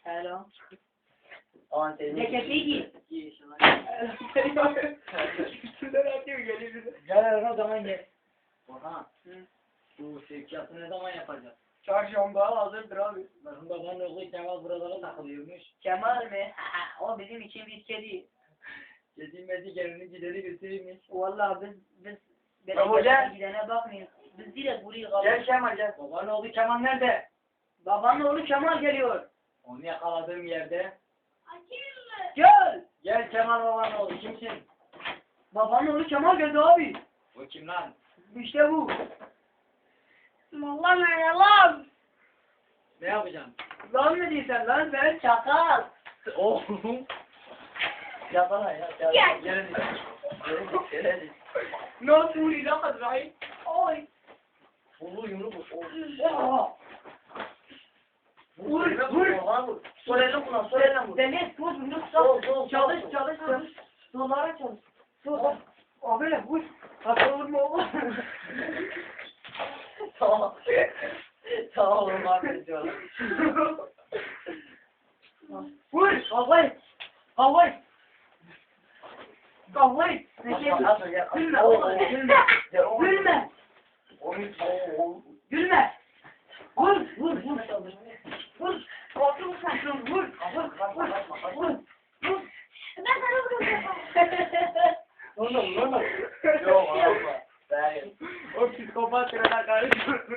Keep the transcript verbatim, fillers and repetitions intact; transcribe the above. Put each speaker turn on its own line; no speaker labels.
Hello.
Aman seni.
Ceketi giy. Üstünden atıyor geliyor.
Gel o zaman gel.
Oha.
Hı.
Bu sevkiyatı ne zaman yapacağız?
Çarşamba hazırdır abi.
Bakın babanın oğlu Kemal buralara takılıyormuş.
Kemal mi? O bizim için bir kedi.
Yediğimezi gelini gideri götürüyormuş.
Vallahi biz biz biz
Baba gel.
gidene bakmayın. Biz direkt buraya
Gel
kalıyoruz.
Kemal gel.
Babanın oğlu Kemal nerede?
Babanın oğlu Kemal geliyor.
Onu yakaladığım yerde.
Gel.
Gel Kemal babanın oğlu kimsin?
Babanın oğlu Kemal geldi abi.
Bu kim lan?
İşte bu.
Vallahi merhaba.
Ne yapacaksın?
Lan ne diyorsun lan sen çakal.
Oğlum.
Yapana ya. Gel.
Gel.
Gel hadi. Gel hadi. Gel hadi.
Nasıl vuruyor lan Azrail? Oy.
Vur yumruk vur.
Oha.
Vur vur. Vur. Sol elle kullan. Sol elle vur.
Deniz tuz bunu
Sol, sol,
çalış
sol.
çalış çalış. Sollara çalış. Sol. Abi ne vur. Hata vurma oğlum.
Tamam. Tamam oğlum affediyorum.
Vur. Kavgay. Kavgay. Kavgay. Ne şey
Atma, atma, gel.
Gülme oğlum gülme.
Gel, oğlum.
Gülme.
Oğlum, oğlum.
Gülme. Vur vur vur. Vur. Korkma sen vur. Vur. Vur. Vur. Vur.
Ben sana vuruyorum.
Oğlum, oğlum. Yok, atma. Ben-
O psikopat kadar karışıyor.